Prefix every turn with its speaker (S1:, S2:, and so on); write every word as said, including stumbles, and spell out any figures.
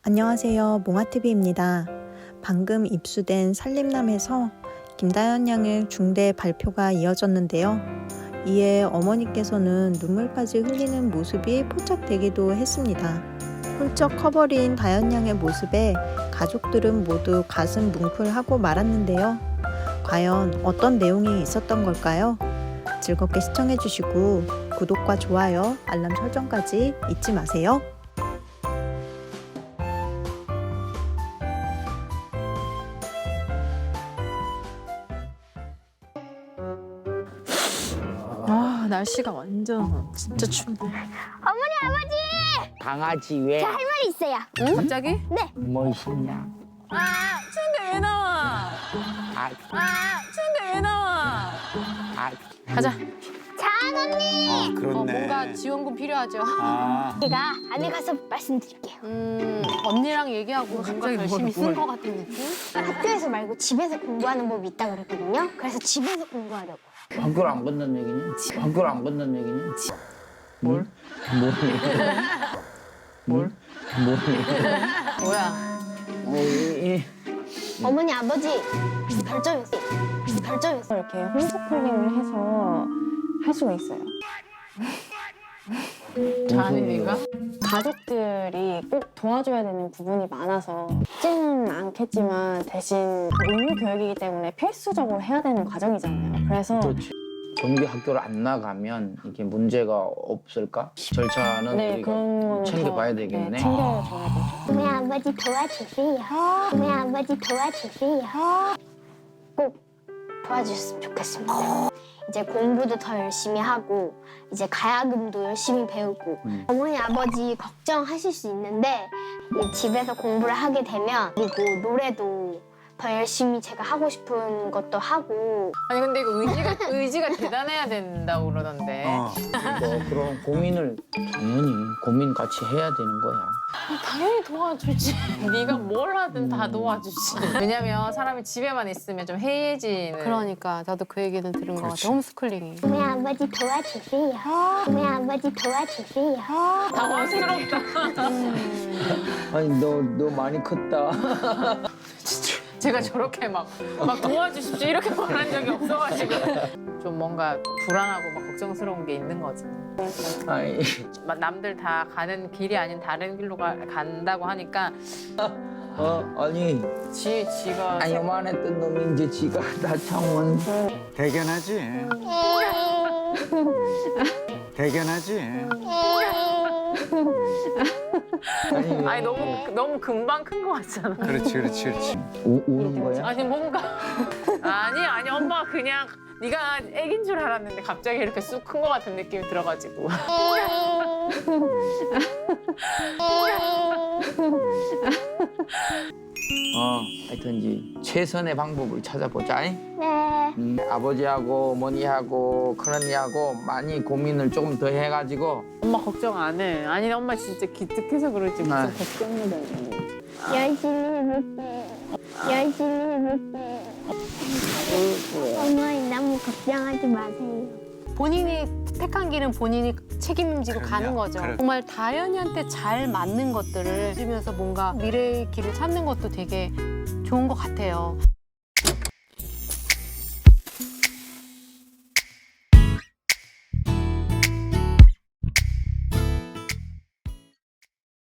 S1: 안녕하세요. 몽아티비입니다. 방금 입수된 산림남에서 김다연 양의 중대 발표가 이어졌는데요. 이에 어머니께서는 눈물까지 흘리는 모습이 포착되기도 했습니다. 훌쩍 커버린 다연 양의 모습에 가족들은 모두 가슴 뭉클하고 말았는데요. 과연 어떤 내용이 있었던 걸까요? 즐겁게 시청해주시고 구독과 좋아요, 알람 설정까지 잊지 마세요.
S2: 아 날씨가 완전 진짜 춥네.
S3: 어머니 아버지!
S4: 강아지 왜?
S3: 저 할 말이 있어요.
S2: 응? 갑자기?
S3: 네.
S4: 뭐 있냐?
S2: 아 추운데 왜 나와?
S4: 아,
S2: 아 추운데 왜 나와?
S4: 아,
S2: 가자.
S3: 장 언니!
S5: 아,
S2: 어,
S5: 그렇네.
S2: 뭔가 지원금 필요하죠.
S5: 아,
S3: 제가 안에 가서 말씀드릴게요.
S2: 음 언니랑 얘기하고 뭔가 결심이 쓴 것 같은 느낌?
S3: 학교에서 말고 집에서 공부하는 법이 있다 그랬거든요. 그래서 집에서 공부하려고.
S4: 학교를 안 건넌 얘기냐? 학교를 안 건넌 얘기냐?
S2: 뭘?
S4: 뭘? 뭘? 뭘?
S2: 뭐야?
S4: 어, 이, 이.
S3: 어머니 아버지 별점이었어요. 별점이었어요.
S6: 이렇게 홈스쿨링을 해서 할 수가 있어요.
S2: 자은이가?
S6: 가족들이 꼭 도와줘야 되는 부분이 많아서 쉽지는 않겠지만 대신 의무 교육이기 때문에 필수적으로 해야 되는 과정이잖아요. 그래서
S4: 그렇지. 정규 학교를 안 나가면 이게 문제가 없을까? 절차는
S6: 네,
S4: 우리가
S6: 그런 거는
S4: 챙겨봐야
S6: 더,
S4: 되겠네.
S6: 네, 챙겨줘야 되죠.
S3: 어머니 아버지 도와주세요. 어머니 아버지 도와주세요. 꼭 도와주셨으면 좋겠습니다. 이제 공부도 더 열심히 하고 이제 가야금도 열심히 배우고
S4: 음.
S3: 어머니 아버지 걱정하실 수 있는데 이 집에서 공부를 하게 되면 그리고 노래도 더 열심히 제가 하고 싶은 것도 하고
S2: 아니 근데 이거 의지가 의지가 대단해야 된다고 그러던데.
S5: 어.
S4: 뭐 그런 고민을 당연히 고민 같이 해야 되는 거야.
S2: 당연히 도와주지. 네가 뭘 하든 다 도와주지. 왜냐면 사람이 집에만 있으면 좀 해이해지는. 그러니까 나도 그 얘기는 들은 것
S5: 그렇지.
S2: 같아. 홈스쿨링이.
S3: 어머니 아버지 도와주세요. 어머니 아버지 도와주세요.
S2: 당황스럽다.
S4: 아니 너 너 많이 컸다.
S2: 제가 저렇게 막, 막 도와주십시오 이렇게 말한 적이 없어가지고 좀 뭔가 불안하고 막 걱정스러운 게 있는 거지.
S4: 아이.
S2: 막 남들 다 가는 길이 아닌 다른 길로 가, 간다고 하니까
S4: 어 아니
S2: 지, 지가
S4: 아니 요만했던 놈이 이제 지가 다 창원.
S5: 대견하지. 대견하지.
S4: 아니,
S2: 아니 너무 너무 금방 큰 거 같잖아.
S5: 그렇지, 그렇지, 그렇지.
S4: 우, 우는 거야?
S2: 아니 뭔가 아니 아니 엄마 그냥 네가 애긴 줄 알았는데 갑자기 이렇게 쑥 큰 거 같은 느낌이 들어가지고.
S4: 어, 하여튼 이제 최선의 방법을 찾아보자. 잉?
S3: 네.
S4: 음, 아버지하고 어머니하고 큰언니하고 많이 고민을 조금 더 해가지고
S2: 엄마 걱정 안 해. 아니 엄마 진짜 기특해서 그러지 무슨
S4: 아.
S2: 걱정을 해.
S3: 열심히 해볼게요. 열심히 해볼게요. 어머니 너무 걱정하지 마세요.
S7: 본인이 택한 길은 본인이 책임지고
S5: 그럼요.
S7: 가는 거죠.
S5: 그래.
S7: 정말 다현이한테 잘 맞는 것들을 해주면서 뭔가 미래의 길을 찾는 것도 되게 좋은 것 같아요.